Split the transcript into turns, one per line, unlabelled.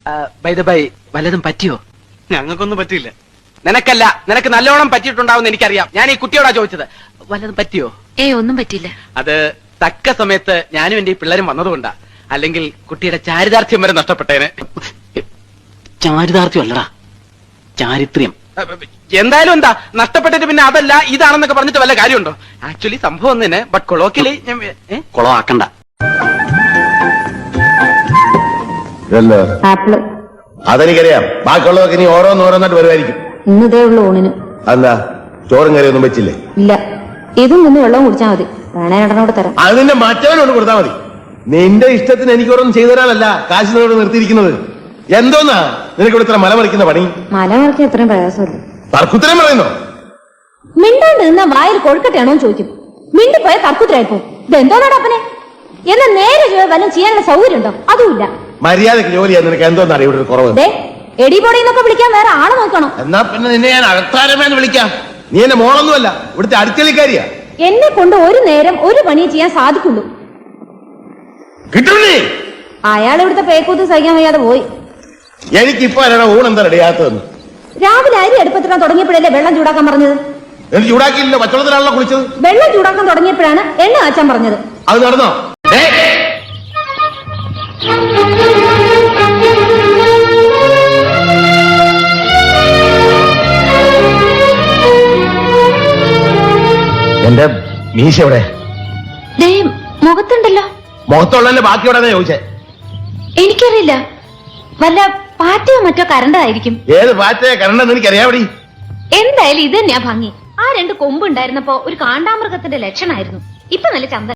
By the by വല്ലതും പറ്റിയോ?
ഞങ്ങൾക്കൊന്നും പറ്റിയില്ല.
നിനക്കല്ല, നിനക്ക് നല്ലോണം പറ്റിയിട്ടുണ്ടാവും എനിക്കറിയാം. ഞാൻ ഈ കുട്ടിയോടാ ചോദിച്ചത്. വല്ലതും പറ്റിയോ?
ഒന്നും പറ്റില്ല.
അത് തക്ക സമയത്ത് ഞാനും എന്റെ ഈ പിള്ളേരും വന്നതുകൊണ്ടാ. അല്ലെങ്കിൽ കുട്ടിയുടെ ചാരിതാർത്ഥ്യം വരെ നഷ്ടപ്പെട്ടേനെ.
ചാരിതാർത്ഥ്യം അല്ലടാ, ചാരിത്രം.
എന്തായാലും എന്താ നഷ്ടപ്പെട്ടിട്ട് പിന്നെ അതല്ല ഇതാണെന്നൊക്കെ പറഞ്ഞിട്ട് വല്ല കാര്യമുണ്ടോ? ആക്ച്വലി സംഭവം ഒന്നിന്, ബട്ട് കൊളോക്കിയലി
കുളമാക്കണ്ട.
ആപ്പിള്
അതെനിക്കറിയാം. ബാക്കിയുള്ളതൊക്കെ ഇനി ഓരോന്നോരോന്നായിട്ട് വരുമായിരിക്കും.
ഇന്നതേ ഉള്ളു ഊണിന്.
അതെന്താ ചോറും കറിയൊന്നും വെച്ചില്ലേ?
ഇല്ല, ഇതും നിന്ന് വെള്ളം കുടിച്ചാൽ മതി. വേണേ രണ്ടെണ്ണോട് തരാം.
അത് നിന്റെ മറ്റവനോട് കൊടുത്താൽ മതി. നിന്റെ ഇഷ്ടത്തിന് എനിക്ക് ഓരോന്നും ചെയ്തു തരാനല്ല കാശ് നിന്നോട് നിർത്തിയിരിക്കുന്നത്. എന്തോന്നാ നിനക്ക് ഇവിടെ ഇത്ര മലമറിക്കുന്ന പണി?
മല മറിക്കാൻ എത്രയും പ്രയാസമില്ല.
തർക്കുത്തരം പറയുന്നോ?
മിണ്ടാണ്ട് നിന്ന വായിൽ കൊഴുക്കട്ടെയാണോ ചോദിക്കും. മിണ്ടിപ്പോയ തർക്കുത്തരായിപ്പോ. ഇതെന്തോന്നാണ് അപ്പനെ? എന്നാ നേരെ വല്ലതും ചെയ്യാനുള്ള സൗകര്യം ഉണ്ടോ? അതുമില്ല.
മര്യാദക്ക് ജോലി ചെയ്യാൻ നിനക്ക് എന്തോന്നാണ് ഇവിടെ ഒരു കുറവ്?
എടിപൊടി എന്നൊക്കെ വിളിക്കാൻ വേറെ ആള് നോക്കണം.
എന്നാ പിന്നെ നിന്നെ ഞാൻ അകത്താരമേന്ന് വിളിക്കാം. നീ എന്റെ മോളൊന്നുമല്ല, ഇവിടുത്തെ അടുക്കളിക്കാരിയാ.
എന്നെ കൊണ്ട് ഒരു നേരം ഒരു പണി ചെയ്യാൻ സാധിക്കുള്ളൂ.
കിട്ടുന്നേ
അയാൾ ഇവിടുത്തെ പേക്കൂത്ത് സഹിക്കാൻ വയ്യാതെ പോയി.
എനിക്കിപ്പോ ഊണെന്താ റെഡിയാത്തതെന്ന്.
രാവിലെ അരി അടുപ്പത്തിടാൻ തുടങ്ങിയപ്പോഴല്ലേ വെള്ളം ചൂടാക്കാൻ പറഞ്ഞത്?
എനിക്ക് ചൂടാക്കിയില്ല, പച്ചവെള്ളത്തിലാണല്ലോ കുളിച്ചത്.
വെള്ളം ചൂടാക്കാൻ തുടങ്ങിയപ്പോഴാണ് എണ്ണ കാച്ചാൻ പറഞ്ഞത്.
അത് നടന്നോ? എന്റെ മീശ എവിടെ?
മുഖത്തുണ്ടല്ലോ.
മുഖത്തുള്ളതിന്റെ ബാക്കി എവിടെ ചോദിച്ചേ?
എനിക്കറിയില്ല, വല്ല പാറ്റയോ മറ്റോ കരണ്ടതായിരിക്കും.
ഏത് പാറ്റയെ കരണ്ടെന്ന് എനിക്കറിയാവടി.
എന്തായാലും ഇത് തന്നെയാ ഭംഗി. ആ രണ്ട് കൊമ്പ് ഉണ്ടായിരുന്നപ്പോ ഒരു കാണ്ടാമൃഗത്തിന്റെ ലക്ഷണമായിരുന്നു. ഇപ്പൊ നല്ല ചന്ത.